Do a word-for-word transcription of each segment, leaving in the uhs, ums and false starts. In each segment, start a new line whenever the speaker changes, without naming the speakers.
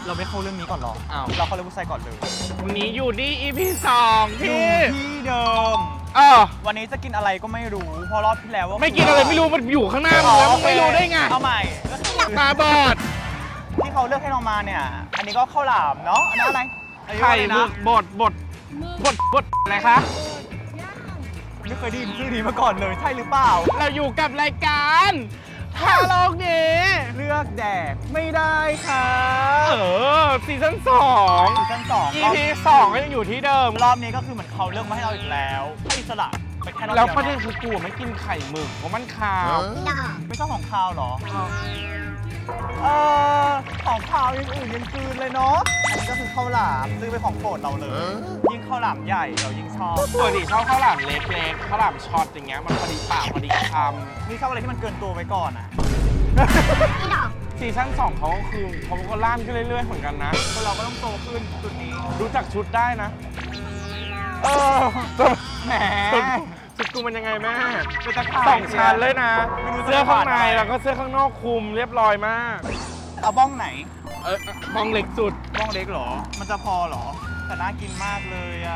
เราไม่เข้าเรื่องนี้ก่อนหรอ
อ้าว
เราเข้าเรื่องผู้ชายก่อนเลย
วันนี้อยู่ที่ อี พี สอง
อยู่
ที่
ที่เดิม
เออ
วันนี้จะกินอะไรก็ไม่รู้เพราะรอบที่แล้วว่า
ไม่กินอะไรไม่รู้มันอยู่ข้างหน้ามึงแล้วมึงไม่รู้ได้ไง
เอาใหม่ก็คือ
ตาบอด
ที่เขาเลือกให้เรามาเนี่ย อันนี้ก็ข้าวหลามเนาะอันนั้นอะไรอันนี้
ไข่
อะไร
หมึ
นะ
กบดบดบดบดอะไรคะ
ไม่เคยได้ยินชื่อนี้มาก่อนเลยใช่หรือเปล่า
เราอยู่กับรายการทาโลกนี้
เลือกแดกไม่ได้ค่ะ
เออซีซั่นสอง
ซีซั่นสอง
อี พี สองก็ยังอยู่ที่เดิม
รอบนี้ก็คือเหมือนเขาเลือกมาให้เราอีกแล้วให้อิสระไปแค่รอบ
แล้ว
เดียว
ประเด็นคือกูไม่กินไข่หมึกเพราะมันขาว
ไม่ชอบของคาวเหรอ เออของคาวอย่างอื่นยังกลืนเลยเนาะ อันนี้ก็คือข้าวหลามซื้อเป็นของโปรดเราเลย ยิ่งข้าวหลามใหญ่เรายิ่งชอบ
ปกติชอบข้าวหลามเล็กๆข้าวหลามช็อตอย่างเงี้ยมันพอดีปากพอดีค
นี่ชอบอะไรที่มันเกินตัวไปก่อนอ่ะ
ำซีซั่นสองเขาก็คือเขาก็ล่านขึ้นเรื่อยๆเหมือนกันนะ
คนเราก็ต้องโตขึ้นจุดนี้
รู้จักชุดได้นะ
เออแหม
ชุดชุดกูมันยังไงแม่
เป็นตะข่าย
สองชั้นเลยนะ
ไม่รู้จะ
เสื้อข้างใน
ผ่านอะไร
แล้วก็เสื้อข้างนอกคลุมเรียบร้อยมาก
เอาบ้องไหน
เออมองเล็กสุด
บ้องเล็กเหรอ มันจะพอเหรอ แต่น่ากินมากเลยอ่ะ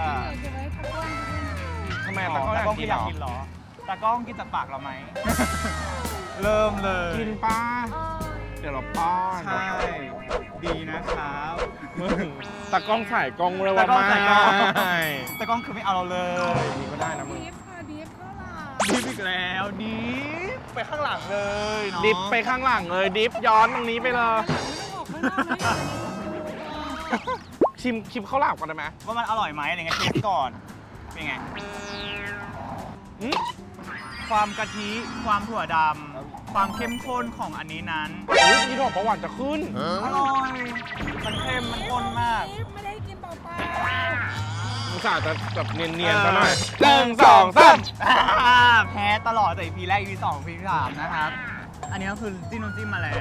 ทำไม
อ๋
ตะ
อ
ก้อ
ตาก
อ
ล้อง
ยาก
ก็
กิน
อ
เหร
ยาก
อ
กินเหรอตากล้องกินจากปากเราไหม เริ่มเลย
กินป้าเดี๋ยวเราป้อน
ใช่ ดีนะครับ
มึงตะกล้องถ่ายกล้องเลยว่า
ตากล้อง
ไม่
ถ่ายกล้อง ตากล้องคือไม่เอาเราเลย
นี่ก็ได้นะมึง
ดิฟค่ะดิฟข้าวหลาม
ดิฟอีกแล้วดิฟไปข้างหลังเลยเนาะ
ดิฟไปข้างหลังเลยดิฟย้อนตรงนี้ไปเลย
ไม่ต้องออกข้างนอกนะ
ชิมชิมข้าวหลามก่อนได้ไหม
ว่ามันอร่อยไหมอะไรเงี้ยเทสก่อน เป็นไง
อืม
ความกะทิ ความถั่วดำ ความเข้มข้นของอันนี้นั้น
อุ๊ยนี่ดอกประหวานจะขึ้น
อร่อย มันเค็ม มันข้นมาก
ดิฟไม่ได้กินเปล่า
อุตส่าห์จะแบบเนียนๆซะหน่อย
เออ
หนึ่งสองสาม
อ่าแพ้ตลอดแต่ อี พี แรก อี พี สอง อี พี สามนะครับ อันนี้ก็คือจิ้มน้ำจิ้มมาแล้ว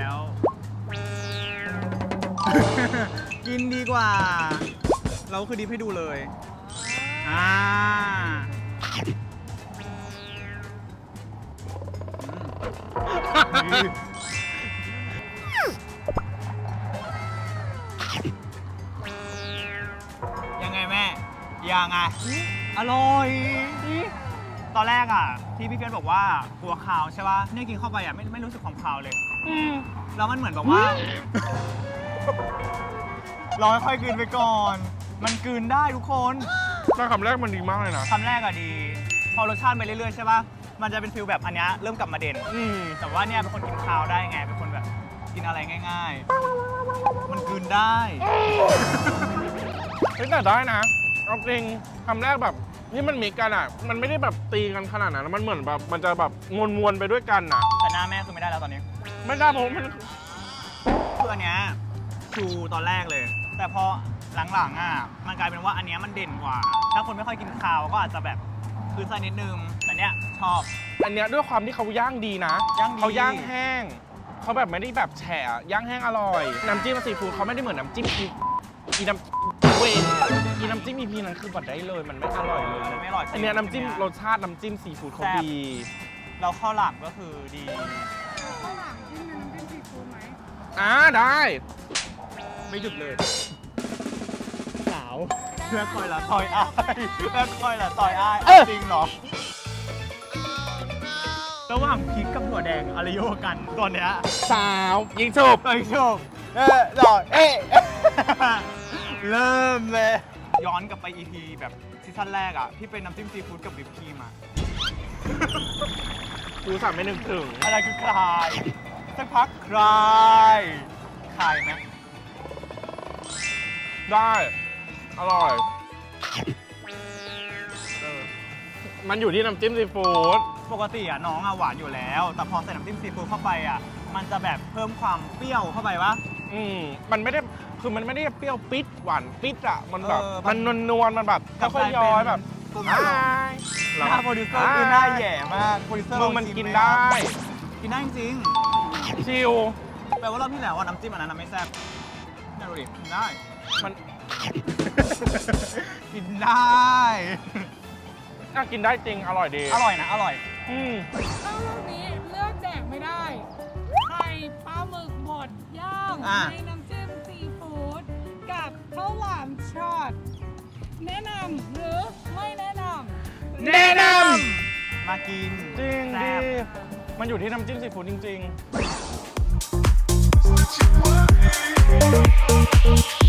กินดีกว่า เราก็คือดิฟให้ดูเลย อ่าอืมยังไงแม่ ยังไง อร่อยตอนแรกอ่ะ ที่พี่เพียรบอกว่ากลัวคาวใช่ป่ะเนี่ยกินเข้าไปอ่ะไม่ไม่รู้สึกความคาวเลย
อืม
แล้วมันเหมือนแบบว่า รอค่อยๆกลืนไปก่อน มันกลืนได้ทุกคน
แต่คำแรกมันดีมากเลยนะ
คำแรกอะดี พอรสชาติไปเรื่อยๆใช่ป่ะ มันจะเป็นฟิลแบบอันเนี้ยเริ่มกลับมาเด่น
อืม
แต่ว่าเนี่ยเป็นคนกินคาวได้ไง เป็นคนแบบกินอะไรง่าย ๆ มันกลืนได้
เฮ้ยแต่ได้นะเอาจริงคำแรกแบบที่มันมีกันอ่ะ มันไม่ได้แบบตีกันขนาดนั้นมันเหมือนแบบมันจะแบบมวลๆไปด้วยกันอ่ะ
แต่หน้าแม่คือไม่ได้แล้วตอนนี้
ไม่ได้เพราะมัน
คืออันเนี้ยชูตอนแรกเลย แต่พอหลังๆอ่ะ มันกลายเป็นว่าอันเนี้ยมันเด่นกว่า ถ้าคนไม่ค่อยกินคาวก็อาจจะแบบคือใส่นิดนึง แต่เนี้ยชอบ
อันเนี้ยด้วยความที่เขาย่างดีนะ
ย่างดี
เขาย่างแห้ง เขาแบบไม่ได้แบบแฉะย่างแห้งอร่อย น้ำจิ้มซีฟู้ดเขาไม่ได้เหมือนน้ำจิ้มอีอีน้ำเวนอีน้ำจิ้มอีพีนั้นคือบัดได้เลย มันไม่อร่อยเลย
มันไม่อร่อย
อันเนี้ยน้ำจิ้มรสชาติน้ำจิ้มซีฟู้ดเขาดี
เราข้าวหลามก็คือดี
ๆข้าวหลามจิ้มน้ำจิ้มซีฟู้ดไหม
อ่าได้
ไม่หยุดเลย สาวเพื่อคอยละซอยอ้ายเพื่อคอยละซอยอ้าย
เออ
จริงเหรอ ระหว่างพริกกับถั่วแดงอะไรโยกันตัวเนี้ย
สาวยิงฉุบ
ไปชมเออหล่อเอ๊ะ เริ่มเลย ย้อนกลับไป อี พี แบบซีซั่นแรกอ่ะ ที่เป็นน้ำจิ้มซีฟู้ดกับวิปครีมอ่ะ
กูสั่งไม่นึกถึง
อะไรคือคลายสักพักคลายคลายไหม
ได้ อร่อย
เออ
มันอยู่ที่น้ำจิ้มซีฟู้ด
ปกติอ่ะน้องอ่ะหวานอยู่แล้ว แต่พอใส่น้ำจิ้มซีฟู้ดเข้าไปอ่ะ มันจะแบบเพิ่มความเปรี้ยวเข้าไปวะ
อืมมันไม่ได้ คือมันไม่ได้เปรี้ยวปิดหวานปิดอ่ะ มันแบบ
เออ
มันนวลๆมันแบบค่อยๆย้อยแบบ
กลม
อ้
ๆ
าย
หน้าโปรดิวเซอร์คือหน้าแย่มาก โปรดิวเซอร์
มึงมันกินได้
กินได้จริง
ชิล
ๆแปลว่ารอบที่แล้วอ่ะน้ำจิ้มอันนั้นนะไม่แซ่บน่าดูดิกินได้
มัน
กินได้
น่ากินได้จริง อร่อยดี
อร่อยนะ อร่อย
อืม
ข้าวลูกนี้เลือกแดกไม่ได้ ไข่ปลาหมึกบดย่าง
อ่ะ
ในน้ำจิ้มซีฟู้ดข้าวหลามช็อตแนะนำหรือไม่แนะน
แนะน
มากิน
ำจริง
แซ่
ดี
บ
มันอยู่ที่น้ำจิ้มซีฟู้ดจริง ๆ